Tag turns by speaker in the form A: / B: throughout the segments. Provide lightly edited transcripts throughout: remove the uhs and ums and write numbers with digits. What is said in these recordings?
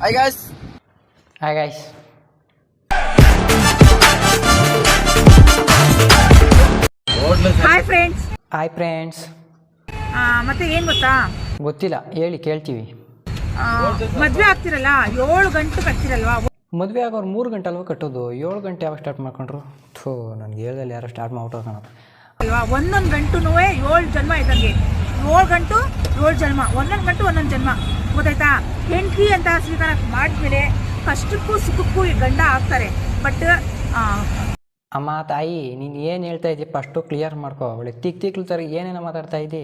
A: Hi guys.
B: Hi guys.
C: Hi friends.
B: Hi friends.
C: ಮತ್ತೆ ಏನು ಗೊತ್ತಾ,
B: ಗೊತ್ತಿಲ್ಲ, ಹೇಳಿ ಕೇಳ್ತೀವಿ.
C: ಮದುವೆ ಆಗ್ತಿರಲ್ಲ 7 ಗಂಟೆಗೆ ಆಗ್ತಿರಲ್ವಾ?
B: ಮದುವೆ ಆಗೋರು 3 ಗಂಟೆ ಅಲ್ವಾ ಕಟ್ಟೋದು, 7 ಗಂಟೆ ಯಾವಾಗ ಸ್ಟಾರ್ಟ್ ಮಾಡ್ಕೊಂಡ್ರು? ಥೋ, ನನಗೆ ಹೇಳ್ದಲ್ಲಿ ಯಾರೋ ಸ್ಟಾರ್ಟ್ ಮಾಡ್ಬಿಟ್ಟು ಕಾಣಪ್ಪ
C: ಅಲ್ವಾ? ಒಂದೊಂದು ಗಂಟು 7 ಜನ್ಮ ಇದ್ದಂಗೆ. 7 ಗಂಟು 7 ಜನ್ಮ, ಒಂದೊಂದು ಗಂಟು ಒಂದೊಂದು ಜನ್ಮ, ಗೊತ್ತಾಯ್ತಾ? ಹೆಂಡತಿ ಅಂತ ಸ್ವೀಕಾರ ಮಾಡಿದ್ಮೇಲೆ ಕಷ್ಟಕ್ಕೂ ಸುಖಕ್ಕೂ ಗಂಡ ಆಗ್ತಾರೆ. ಬಟ್
B: ಅಮ್ಮ ತಾಯಿ, ನೀನು ಏನು ಹೇಳ್ತಾ ಇದ್ದೀವಿ ಫಸ್ಟು ಕ್ಲಿಯರ್ ಮಾಡ್ಕೋ. ಅವಳೆ ತಿಕ್ಲು ಥರ ಏನೇನೋ ಮಾತಾಡ್ತಾ ಇದ್ದಿ.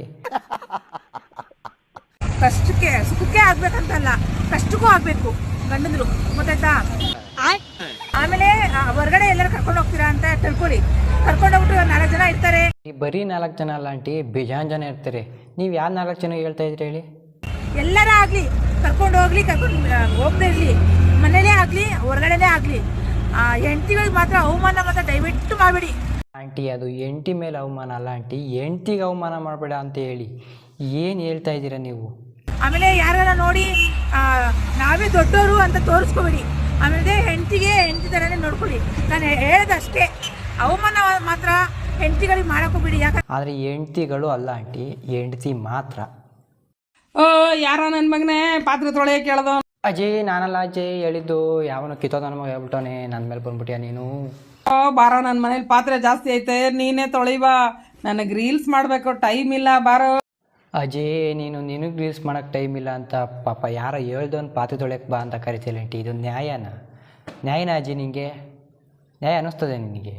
C: ಕಷ್ಟಕ್ಕೆ ಸುಖಕ್ಕೆ ಆಗ್ಬೇಕಂತಲ್ಲ, ಕಷ್ಟಕ್ಕೂ ಆಗ್ಬೇಕು ಗಂಡಂದ್ರು, ಗೊತ್ತಾಯ್ತಾ? ಆಮೇಲೆ ಹೊರಗಡೆ ಎಲ್ಲರೂ ಕರ್ಕೊಂಡು ಹೋಗ್ತೀರಾ ಅಂತ ತಿಳ್ಕೊಳ್ಳಿ. ಕರ್ಕೊಂಡು ಹೋಗ್ಬಿಟ್ಟು 4 ಜನ ಇರ್ತಾರೆ.
B: ಈ ಬರೀ 4 ಜನ ಅಲ್ಲ ಆಂಟಿ, ಬೇಜಾನ್ ಜನ ಇರ್ತಾರೆ. ನೀವು ಯಾವ 4 ಜನ ಹೇಳ್ತಾ ಇದ್ರಿ ಹೇಳಿ?
C: ಎಲ್ಲರ ಆಗಲಿ, ಕರ್ಕೊಂಡು ಹೋಗ್ಲಿ, ಕರ್ಕೊಂಡು ಹೋಗದೇ ಇರಲಿ, ಮನೇಲೇ ಆಗಲಿ ಹೊರಗಡೆನೇ ಆಗಲಿ, ಹೆಂಡತಿಗಳಿಗೆ ಮಾತ್ರ ಅವಮಾನ ಮಾತ್ರ ದಯವಿಟ್ಟು ಮಾಡಬೇಡಿ.
B: ಆಂಟಿ, ಅದು ಹೆಂಡತಿ ಮೇಲೆ ಅವಮಾನ ಅಲ್ಲ ಆಂಟಿ, ಹೆಂಡ್ತಿಗೆ ಅವಮಾನ ಮಾಡಬೇಡ ಅಂತ ಹೇಳಿ. ಏನು ಹೇಳ್ತಾ ಇದ್ದೀರಾ ನೀವು?
C: ಆಮೇಲೆ ಯಾರನ್ನ ನೋಡಿ ನಾವೇ ದೊಡ್ಡವರು ಅಂತ ತೋರಿಸ್ಕೋಬೇಡಿ. ಆಮೇಲೆ ಹೆಂಡತಿಗೆ ಹೆಂಡತಿ ಥರನೇ ನೋಡ್ಕೊಳ್ಳಿ. ನಾನು ಹೇಳೋದಷ್ಟೇ, ಅವಮಾನ ಮಾತ್ರ ಹೆಂಡತಿಗಳಿಗೆ ಮಾಡೋಕೋಬೇಡಿ. ಯಾಕಂದ್ರೆ
B: ಆದರೆ ಹೆಂಡ್ತಿಗಳು ಅಲ್ಲ ಆಂಟಿ, ಹೆಂಡ್ತಿ ಮಾತ್ರ.
D: ಓ, ಯಾರ ನನ್ನ ಮಗನೇ ಪಾತ್ರೆ ತೊಳೆಯ ಕೇಳ್ದವ?
B: ಅಜಯ್, ನಾನಲ್ಲ ಅಜಯ್ ಹೇಳಿದ್ದು. ಯಾವನು ಕಿತ್ತೋದ ನಮಗೆ ಹೇಳ್ಬಿಟ್ಟವನೆ, ನನ್ನ ಮೇಲೆ ಬಂದ್ಬಿಟ್ಟಿಯ ನೀನು.
D: ಬಾರೋ, ನನ್ನ ಮನೇಲಿ ಪಾತ್ರೆ ಜಾಸ್ತಿ ಐತೆ, ನೀನೇ ತೊಳಿಬಾ. ನನಗೆ ರೀಲ್ಸ್ ಮಾಡಬೇಕು, ಟೈಮ್ ಇಲ್ಲ, ಬಾರೋ.
B: ಅಜಯ್, ನಿನಗೆ ರೀಲ್ಸ್ ಮಾಡೋಕ್ಕೆ ಟೈಮ್ ಇಲ್ಲ ಅಂತ ಪಾಪ ಯಾರೋ ಹೇಳ್ದವನು ಪಾತ್ರೆ ತೊಳೆಯಕ್ಕೆ ಬಾ ಅಂತ ಕರಿತಿಲ್ಲ ಆಂಟಿ. ಇದು ನ್ಯಾಯನ ಅಜಯ್? ನಿನಗೆ ನ್ಯಾಯ ಅನ್ನಿಸ್ತದೆ ನಿನಗೆ?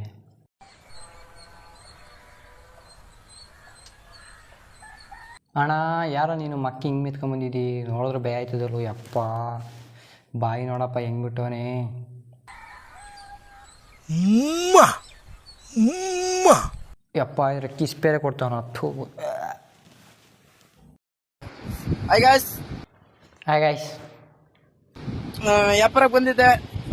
B: ಅಣ್ಣ, ಯಾರೋ ನೀನು ಮಕ್ಕಿ ಹಿಂಗೆ ಮಿತ್ಕೊಂಬಂದಿದ್ದಿ, ನೋಡಿದ್ರೆ ಭಯ ಆಯ್ತದಲ್ವ? ಯಪ್ಪ, ಬಾಯಿ ನೋಡಪ್ಪ ಹೆಂಗೆ ಬಿಟ್ಟವನೇ. ಯಪ್ಪ, ಇದ್ರೆ ಕಿಸ್ ಬೇರೆ ಕೊಡ್ತಾವನ. ಥೂ.
A: Hi guys.
B: Hi guys.
A: ವ್ಯಾಪಾರಕ್ಕೆ ಬಂದಿದ್ದೆ.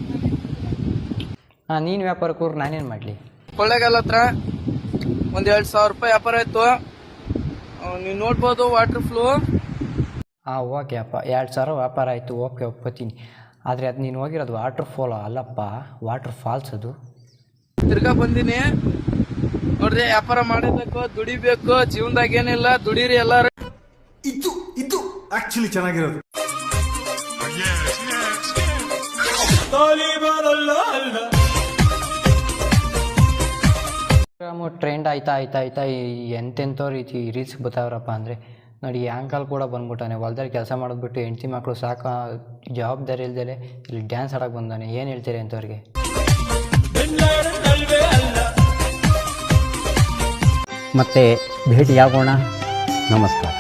B: ನೀನು ವ್ಯಾಪಾರಕ್ಕೆ ಹೋದ್ರೆ ನಾನೇನು ಮಾಡಲಿ?
A: ಕೊಳ್ಳೇಗಾಲ ಹತ್ರ ಒಂದು 2,000 ರೂಪಾಯಿ ವ್ಯಾಪಾರ ಇತ್ತು. ನೀವು ನೋಡ್ಬೋದು ವಾಟರ್ ಫ್ಲೋ.
B: ಓಕೆ ಅಪ್ಪ, 2,000 ವ್ಯಾಪಾರ ಆಯಿತು, ಓಕೆ ಒಪ್ಕೋತೀನಿ. ಆದರೆ ಅದು ನೀನು ಹೋಗಿರೋದು ವಾಟರ್ ಫಾಲ್ ಅಲ್ಲಪ್ಪ, ವಾಟರ್ ಫಾಲ್ಸ್ ಅದು.
A: ತಿರ್ಗಾ ಬಂದೀನಿ ನೋಡ್ರಿ. ವ್ಯಾಪಾರ ಮಾಡಬೇಕು, ದುಡಿಬೇಕು. ಜೀವನದಾಗ ಏನಿಲ್ಲ, ದುಡೀರಿ ಎಲ್ಲಾರು.
E: ಇದು ಆಕ್ಚುಲಿ ಚೆನ್ನಾಗಿರೋದು.
B: ಟ್ರೆಂಡ್ ಆಯ್ತಾ ಎಂತೆಂಥವ್ರು ರೀತಿ ರೀಲ್ಸ್ ಬರ್ತಾವ್ರಪ್ಪ ಅಂದರೆ ನೋಡಿ. ಆ್ಯಂಕಲ್ ಕೂಡ ಬಂದ್ಬಿಟ್ಟಾನೆ, ಹೊಲ್ದಲ್ಲಿ ಕೆಲಸ ಮಾಡೋದ್ಬಿಟ್ಟು ಹೆಂಡತಿ ಮಕ್ಕಳು ಸಾಕು ಜವಾಬ್ದಾರಿ ಇಲ್ದೇಲೆ ಇಲ್ಲಿ ಡ್ಯಾನ್ಸ್ ಆಡೋಕೆ ಬಂದಾನೆ. ಏನು ಹೇಳ್ತೀರಿ ಅಂಥವ್ರಿಗೆ?
F: ಮತ್ತೆ ಭೇಟಿಯಾಗೋಣ. ನಮಸ್ಕಾರ.